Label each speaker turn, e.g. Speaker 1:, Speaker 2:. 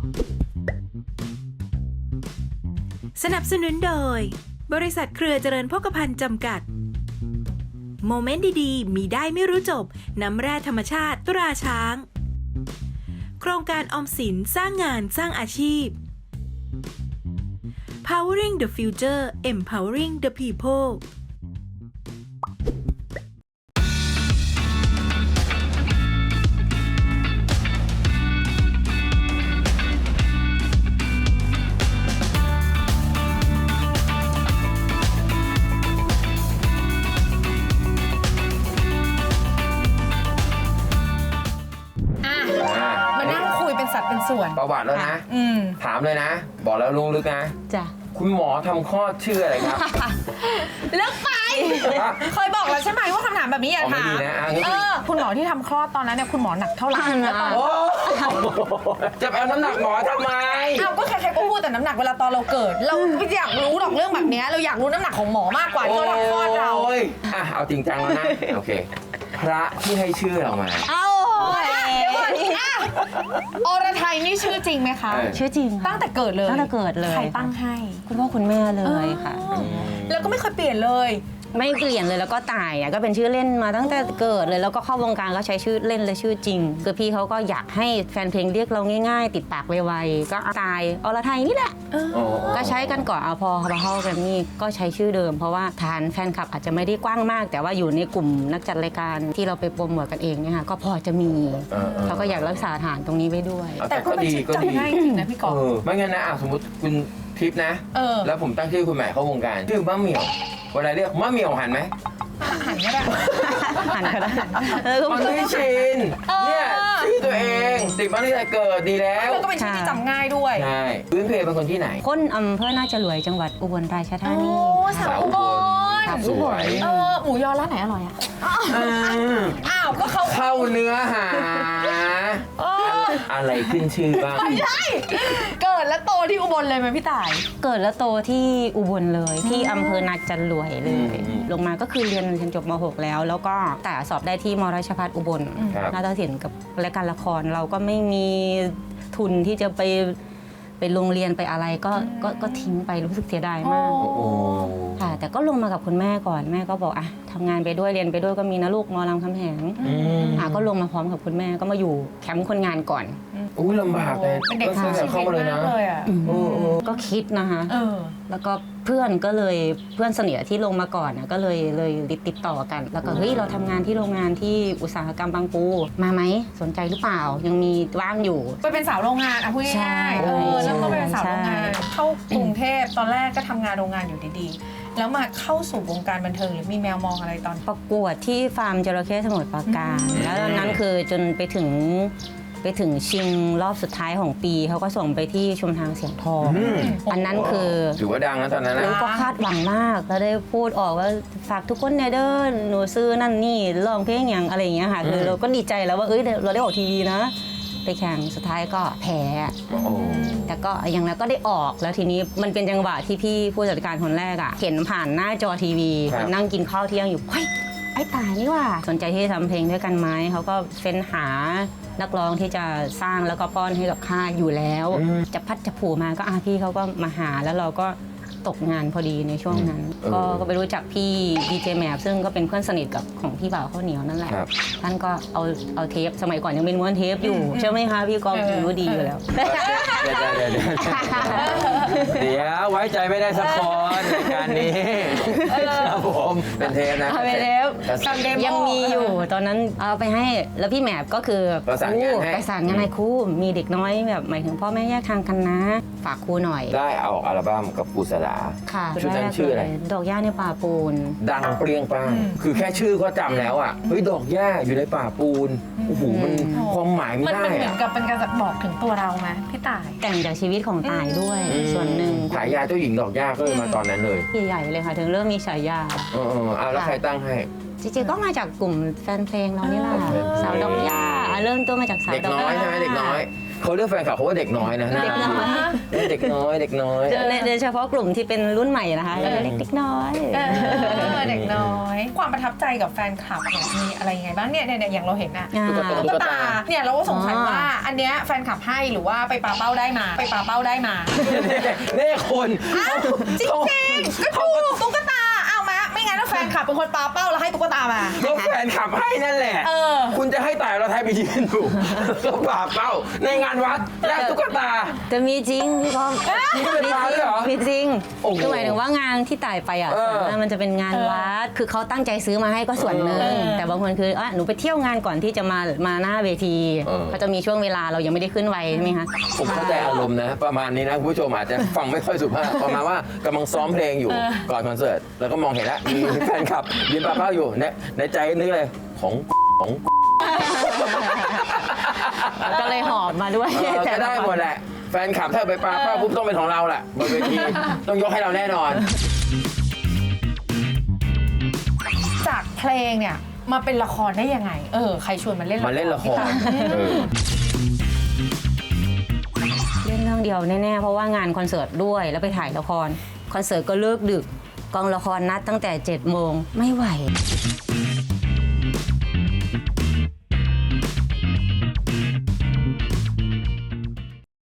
Speaker 1: สนับสนุนโดยบริษัทเครือเจริญโภคภัณฑ์จำกัดโมเมนต์ดีๆมีได้ไม่รู้จบน้ำแร่ธรรมชาติตราช้างโครงการออมสินสร้างงานสร้างอาชีพ Powering the Future Empowering the People
Speaker 2: มานั่งคุยเป็นสัดเป็นส่วน
Speaker 3: ประวัติแล้วนะ ถามเลยนะ บอกแล้วลุงลึกนะ
Speaker 4: จ้ะ
Speaker 3: คุณหมอทำคลอดชื่ออะไรครับ
Speaker 2: เลิกไป เคยบอกแล้วใช่ไหมว่าคำถามแบบนี้อย่าถาม
Speaker 3: ไม่ดีนะงั้น
Speaker 2: คุณหมอที่ทำคลอดตอนนั้นเนี่ยคุณหมอหนักเท่าไหร่แล้วตอน
Speaker 3: โอ้จะเอาน้ำหนักหมอทำไม
Speaker 2: เอาก็ใครๆก็พูดแต่น้ำหนักเวลาตอนเราเกิด เราไม่อยากรู้หรอกเรื่องแบบนี้เราอยากรู้น้ำหนักของหมอมากกว่าที่เราทำคลอดเรา
Speaker 3: โอ้ยอ่ะเอาจริงจังแล้วนะ โอเค พระที่ให้ชื่อเรามา
Speaker 4: เอา
Speaker 2: เดี๋ยวก่อนอรไทยนี่ชื่อจริงไหมคะ
Speaker 4: ชื่อจริง
Speaker 2: ตั้งแต่เกิดเลย
Speaker 4: ตั้งแต่เกิดเลย
Speaker 2: ใครตั้งให้
Speaker 4: คุณพ่อคุณแม่เลยค่ะ
Speaker 2: แล้วก็ไม่เคยเปลี่ยนเลย
Speaker 4: ไม่เปลี่ยนเลยแล้วก็ตายก็เป็นชื่อเล่นมาตั้งแต่เกิดเลยแล้วก็เข้าวงการก็ใช้ชื่อเล่นและชื่อจริงคือพี่เขาก็อยากให้แฟนเพลงเรียกเราง่ายๆ ติดปากไวๆก็ตายอรไทยนี่แหละก็ใช้กันก่อนเอาพอมาเข้ากันนี่ก็ใช้ชื่อเดิมเพราะว่าฐานแฟนคลับอาจจะไม่ได้กว้างมาก แต่ว่าอยู่ในกลุ่มนักจัดรายการที่เราไปโปรโมทกันเองเนี่ยค่ะก็พอจะมีเขาก็อยากรักษาฐานตรงนี้ไว้ด้วย
Speaker 2: แต่ก็เป็นชื่อจำง่ายจริงนะพี่กอล์ฟ
Speaker 3: ไม่งั้นนะสมมติคุณทิพย์นะ แล้วผมตั้งชื่อคุณใหม่เข้าวงการชื่อมะเหมี่ยวเวลาเรียกมะเหมี่ยวหันไหม
Speaker 2: หันก็ได้
Speaker 4: หันก็ได้
Speaker 3: มันไม่ชินเนี่ยชื่อตัวเองติดมาตั้งแต่เกิดดีแล้ว
Speaker 2: แล้วก็เป็นชื่อที่จำง่ายด้วย
Speaker 3: ใช่พื้นเพเป็นคนที่ไหน
Speaker 4: คนอำเภอน่าจะรวยจังหวัดอุบลราชธานี
Speaker 2: สาวอุบล
Speaker 3: สวย
Speaker 2: หมูยอร้านไหนอร่อยอ่ะอ้าวก็เขา
Speaker 3: เข้าเนื้อหาอะไรขึ้นชื่อบ้าง
Speaker 2: ไม่ใช่เกิดและโตที่อุบลเลยไหมพี่ต่าย
Speaker 4: เกิดและโตที่อุบลเลยที่อำเภอนาจันรวยเลยลงมาก็คือเรียนจบม .6 แล้วก็แต่สอบได้ที่มราชภัฏอุบลนาฏศิลป์กับรายการละครเราก็ไม่มีทุนที่จะไปโรงเรียนไปอะไรก็ทิ้งไปรู้สึกเสียดายมากค่ะแต่ก็ลงมากับคุณแม่ก่อนแม่ก็บอกอ่ะทำงานไปด้วยเรียนไปด้วยก็มีนะลูกมรามคำแหงก็ลงมาพร้อมกับคุณแม่ก็มาอยู่แคมป์คนงานก่อน
Speaker 3: อุ้ยลำบากเลย
Speaker 2: เป็นเด็ก
Speaker 3: ตั้งแต่เข้ามาเลยนะ
Speaker 4: ก็คิดนะคะแล้วก็เพื่อนสนิทที่ลงมาก่อนก็เลยติดต่อกันแล้วก็เฮ้ยเราทำงานที่โรงงานที่อุตสาหกรรมบางปูมาไหมสนใจหรือเปล่ายังมีว่างอยู่
Speaker 2: ไปเป็นสาวโรงงานอ่ะพูดง่ายๆแล้วก็ไปเป็นสาวโรงงานเข้ากรุงเทพตอนแรกก็ทำงานโรงงานอยู่ดีๆแล้วมาเข้าสู่วงการบันเทิงหรือมีแมวมองอะไรตอน
Speaker 4: ประกวดที่ฟาร์มจระเข้สมุทรปราการแล้วตอนนั้นคือจนไปถึงชิงรอบสุดท้ายของปีเขาก็ส่งไปที่ชุมทางเสียงทองอันนั้นคือ
Speaker 3: ถือว่าดังนะตอนนั้นนะ
Speaker 4: ก็คาดหวังมากแล้วได้พูดออกว่าฝากทุกคนเนี่ยเด้อหนูซื้อนั่นนี่ร้องเพลงอย่างอะไรอย่างเงี้ยค่ะคือเราก็ดีใจแล้วว่าเราได้ออกทีวีนะไปแข่งสุดท้ายก็แพ้แต่ก็อย่างนั้นก็ได้ออกแล้วทีนี้มันเป็นจังหวะที่พี่ผู้จัดการคนแรกเห็นผ่านหน้าจอทีวีนั่งกินข้าวเที่ยงอยู่เฮ้ยไอ้ตายนี่ว่าสนใจที่จะทำเพลงด้วยกันไหมเขาก็เฟ้นหานักร้องที่จะสร้างแล้วก็ป้อนให้กับค่ายอยู่แล้วจะพัดจะผูมาก็พี่เขาก็มาหาแล้วเราก็ตกงานพอดีในช่วงนั้นก็ไปรู้จักพี่ดีเจแมปซึ่งก็เป็นเพื่อนสนิทกับของพี่บ่าวข้าวเหนียวนั่นแหละท่านก็เอาเทปสมัยก่อนยังเป็นม้วนเทปอยู่ใช่ไหมคะพี่กองรู้ดีอยู่แล้ว
Speaker 3: เดี๋ยวไว้ใจไม่ได้สักคนในการนี้ครับผมเป็นเทปนะ
Speaker 4: เป็นเทปยังมีอยู่ตอนนั้นเอาไปให้แล้วพี่แมปก็คือ
Speaker 3: ประสานงาน
Speaker 4: ให้ครูมีเด็กน้อยแบบหมายถึงพ่อแม่แยกทางกันนะฝากครูหน่อย
Speaker 3: ได้เอาอัลบั้มกับปูสลาชุดนั้นชื่ออะไร
Speaker 4: ดอกหญ้าในป่าปูน
Speaker 3: ดังเปรี้ยงปังคือแค่ชื่อก็จำแล้วเฮ้ยดอกหญ้าอยู่ในป่าปูนโอ้โหมันความหมายไม่ได้
Speaker 2: มันเหมือนกับเป็นการบอกถึงตัวเราไหมพี่ต่าย
Speaker 4: แต่งจากชีวิตของตายด้วยส่วนหนึ่ง
Speaker 3: ฉายาเจ้าหญิงดอกหญ้าก็เลยมาตอนนั้นเลย
Speaker 4: ใหญ่เลยค่ะถึงเริ่มมีฉายา
Speaker 3: แล้วใครตั้งให้
Speaker 4: จริงๆก็มาจากกลุ่มแฟนเพลงเรานี่แหละสาวดอกหญ้าเริ่มต้นมาจากสาวดอกหญ้า
Speaker 3: เด็กน้อยใช่ไหมเด็กน้อยเขาเรียกแฟนคลับเขาว่าเด็กน้อยนะ
Speaker 4: เด็กน้อย
Speaker 3: เด็กน้อยเด็กน้อย
Speaker 4: โดยเฉพาะกลุ่มที่เป็นรุ่นใหม่นะคะเล็กๆน้อย
Speaker 2: เด็กน้อย ความประทับใจกับแฟนคลับเนี่ยมีอะไรยังไงบ้างเนี่ยอย่างเราเห็นอะ ตุ๊กตาเนี่ยเราก็สงสัยว่าอันเนี้ยแฟนคลับให้หรือว่าไปปาเป้าได้มา
Speaker 3: นี่คน
Speaker 2: จริงๆก็ถูกตุ๊กตาเอามาไม่งั้นแล้วแฟนคลับเป็นคนปาเป้าแล้วให้ตุ๊กตามา
Speaker 3: ก็แฟนขับให้นั่นแหละ คุณจะให้แต่เราไทยไปยืนอยู่ก็ป่าเป้าในงานวัดแลกตุ๊กตา
Speaker 4: แต่มีจริงพี่ก้อง
Speaker 3: มีตุ๊กตาด้วยเหรอ
Speaker 4: มีจริง
Speaker 3: โอ้โห
Speaker 4: คือหมายถึงว่างานที่ต่ายไปอ่ะส่วนมากมันจะเป็นงานวัดคือเขาตั้งใจซื้อมาให้ก็ส่วนหนึ่งแต่บางคนคือหนูไปเที่ยวงานก่อนที่จะมาหน้าเวทีเขาจะมีช่วงเวลาเรายังไม่ได้ขึ้นไวใช่ไหมคะ
Speaker 3: ผมเข้าใจอารมณ์นะ ประมาณนี้นะคุณผู้ชมอาจจะฟังไม่ค่อยสุภาพประมาณว่ากำลังซ้อมเพลงอยู่ก่อนคอนเสิร์ตแล้วก็มองเห็นแล้วมีแฟนคลับยืนป่าเป้าอยู่ในใจนึกเลยของ
Speaker 4: ก็เลยหอบมาด้วย
Speaker 3: ก็ได้หมดแหละแฟนคลับถ้าไปป่าเป้าปุ๊บต้องเป็นของเราแหละบนเวทีต้องยกให้เราแน่นอน
Speaker 2: จากเพลงเนี่ยมาเป็นละครได้ยังไงใครชวนมาเล่นละคร
Speaker 3: มาเล่นละคร
Speaker 4: เล่นเรื่องเดียวแน่ๆเพราะว่างานคอนเสิร์ตด้วยแล้วไปถ่ายละครคอนเสิร์ตก็เลิกดึกกองละครนัดตั้งแต่7 โมงไม่ไหว